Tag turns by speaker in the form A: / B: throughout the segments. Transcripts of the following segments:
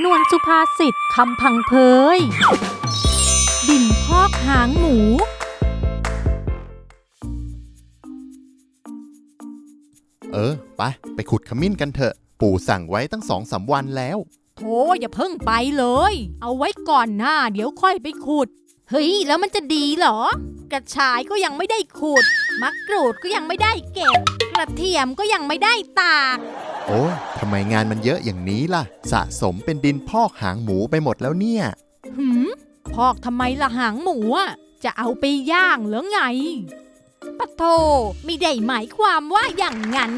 A: ำนวนสุภาษิตคำพังเพยดินพอกหางหมู
B: ไปขุดขมิ้นกันเถอะปู่สั่งไว้ตั้ง2-3 วันแล้ว
A: โธ่อย่าเพิ่งไปเลยเอาไว้ก่อนหน้าเดี๋ยวค่อยไปขุดเฮ้ยแล้วมันจะดีเหรอกระชายก็ยังไม่ได้ขุดมะกรูดก็ยังไม่ได้เก็บกระเทียมก็ยังไม่ได้ตาก
B: โอ้ยทำไมงานมันเยอะอย่างนี้ล่ะสะสมเป็นดินพอกหางหมูไปหมดแล้วเนี่ย
A: พอกทำไมล่ะหางหมูอะจะเอาไปย่างเหรอไงปะโธไม่ได้หมายความว่าอย่างนั้น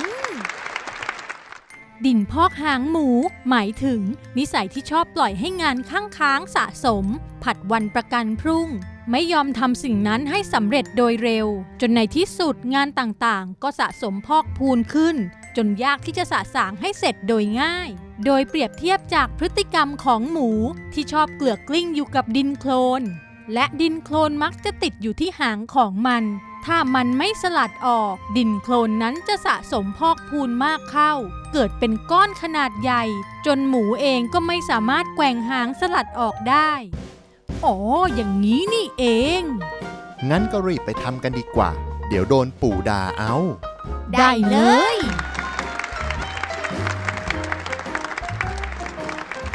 A: ดินพอกหางหมูหมายถึงนิสัยที่ชอบปล่อยให้งานค้างสะสมผัดวันประกันพรุ่งไม่ยอมทำสิ่งนั้นให้สำเร็จโดยเร็วจนในที่สุดงานต่างๆก็สะสมพอกพูนขึ้นจนยากที่จะสะสางให้เสร็จโดยง่ายโดยเปรียบเทียบจากพฤติกรรมของหมูที่ชอบเกลือกกลิ้งอยู่กับดินโคลนและดินโคลนมักจะติดอยู่ที่หางของมันถ้ามันไม่สลัดออกดินโคลนนั้นจะสะสมพอกพูนมากเข้าเกิดเป็นก้อนขนาดใหญ่จนหมูเองก็ไม่สามารถแกว่งหางสลัดออกได้อ๋ออย่างนี้นี่เอง
B: งั้นก็รีบไปทำกันดีกว่าเดี๋ยวโดนปู่ด่าเอา
A: ได้เลย